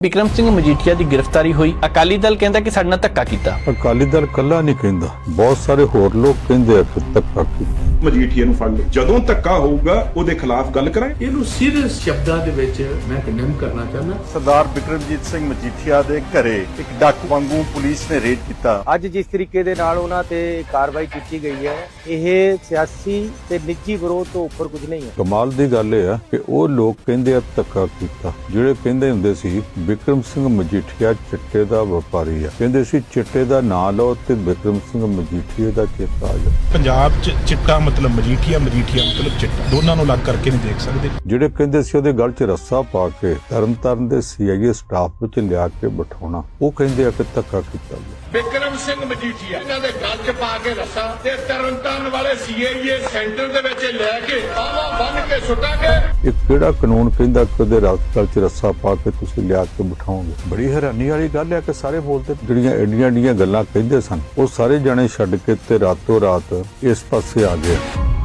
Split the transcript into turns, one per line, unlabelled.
ਬਿਕਰਮ ਸਿੰਘ ਮਜੀਠੀਆ ਦੀ ਗ੍ਰਿਫਤਾਰੀ ਹੋਈ। ਅਕਾਲੀ ਦਲ ਕਹਿੰਦਾ ਕਿ ਸਾਡੇ ਨਾਲ ਧੱਕਾ ਕੀਤਾ।
ਅਕਾਲੀ ਦਲ ਕੱਲਾ ਨਹੀਂ ਕਹਿੰਦਾ, ਬਹੁਤ ਸਾਰੇ ਹੋਰ ਲੋਕ ਕਹਿੰਦੇ ਆ ਕਿ ਧੱਕਾ ਕੀਤਾ।
ਮਜੀਠੀਆ ਨੂੰ ਫੜ ਲਓ, ਜਦੋਂ ਧੱਕਾ ਹੋਊਗਾ ਉਹਦੇ ਖਿਲਾਫ ਗੱਲ ਕਰਾਂਗੇ।
ਇਹਨੂੰ ਸੀਰੀਅਸ ਸ਼ਬਦਾਂ ਦੇ ਵਿੱਚ ਮੈਂ ਕੰਡੈਮ ਕਰਨਾ ਚਾਹੁੰਦਾ।
ਸਰਦਾਰ ਬਿਕਰਮਜੀਤ ਸਿੰਘ ਮਜੀਠੀਆ ਦੇ ਘਰੇ ਇੱਕ ਡਾਕੂ ਵਾਂਗੂ ਪੁਲਿਸ ਨੇ ਰੇਡ ਕੀਤਾ।
ਅੱਜ ਜਿਸ ਤਰੀਕੇ ਦੇ ਨਾਲ ਉਹਨਾਂ ਤੇ ਕਾਰਵਾਈ ਕੀਤੀ ਗਈ ਹੈ, ਇਹ ਸਿਆਸੀ ਤੇ ਨਿੱਜੀ ਵਿਰੋਧ ਤੋਂ ਉੱਪਰ ਕੁਝ ਨਹੀਂ ਹੈ।
ਕਮਾਲ ਦੀ ਗੱਲ ਇਹ ਆ ਕਿ ਉਹ ਲੋਕ ਕਹਿੰਦੇ ਆ ਧੱਕਾ ਕੀਤਾ, ਜਿਹੜੇ ਕਹਿੰਦੇ ਹੁੰਦੇ ਸੀ ਬਿਕਰਮ ਸਿੰਘ ਮਜੀਠੀਆ ਚਿੱਟੇ ਦਾ ਵਪਾਰੀ ਆ, ਕਹਿੰਦੇ ਸੀ ਚਿੱਟੇ ਦਾ ਨਾਂ ਲਓ ਤੇ ਬਿਕਰਮ ਸਿੰਘ ਮਜੀਠੀਆ ਦਾ ਚੇਤਾ ਆ ਜਾ।
ਪੰਜਾਬ 'ਚ ਚਿੱਟਾ ਮਤਲਬ ਮਜੀਠੀਆ, ਮਜੀਠੀਆ ਮਤਲਬ ਚਿੱਟਾ, ਦੋਨਾਂ ਨੂੰ ਅਲੱਗ ਕਰਕੇ ਨਹੀਂ ਦੇਖ ਸਕਦੇ।
ਜਿਹੜੇ ਕਹਿੰਦੇ ਸੀ ਉਹਦੇ ਗਲ 'ਚ ਰੱਸਾ ਪਾ ਕੇ ਤਰਨਤਾਰਨ ਦੇ CIA ਸਟਾਫ ਵਿੱਚ ਲਿਆ ਕੇ ਬਿਠਾਉਣਾ, ਉਹ ਕਹਿੰਦੇ ਆ ਕਿ ਧੱਕਾ ਕੀਤਾ ਗਿਆ।
ਬਿਕਰਮ ਸਿੰਘ ਮਜੀਠੀਆ ਇਹਨਾਂ ਦੇ ਗਲ 'ਚ ਪਾ ਕੇ ਰੱਸਾ ਤੇ ਤਰਨਤਾਰਨ ਵਾਲੇ CIA ਸੈਂਟਰ ਦੇ ਵਿੱਚ ਲੈ ਕੇ ਬਾਹਾਂ ਬੰਨ ਕੇ ਸੁੱਟਾਂਗੇ।
ਇਹ ਕਿਹੜਾ ਕਾਨੂੰਨ ਕਹਿੰਦਾ ਕਿ ਉਹਦੇ ਗਲ 'ਚ ਰੱਸਾ ਪਾ ਕੇ ਤੁਸੀਂ ਲਿਆ ਕੇ ਬਿਠਾਓਗੇ? ਬੜੀ ਹੈਰਾਨੀ ਵਾਲੀ ਗੱਲ ਹੈ ਕਿ ਸਾਰੇ ਬੋਲਦੇ ਜਿਹੜੀਆਂ ਐਡੀਆਂ ਗੱਲਾਂ ਕਹਿੰਦੇ ਸਨ, ਉਹ ਸਾਰੇ ਜਾਣੇ ਛੱਡ ਕੇ ਤੇ ਰਾਤੋਂ ਰਾਤ ਇਸ ਪਾਸੇ ਆ ਗਏ।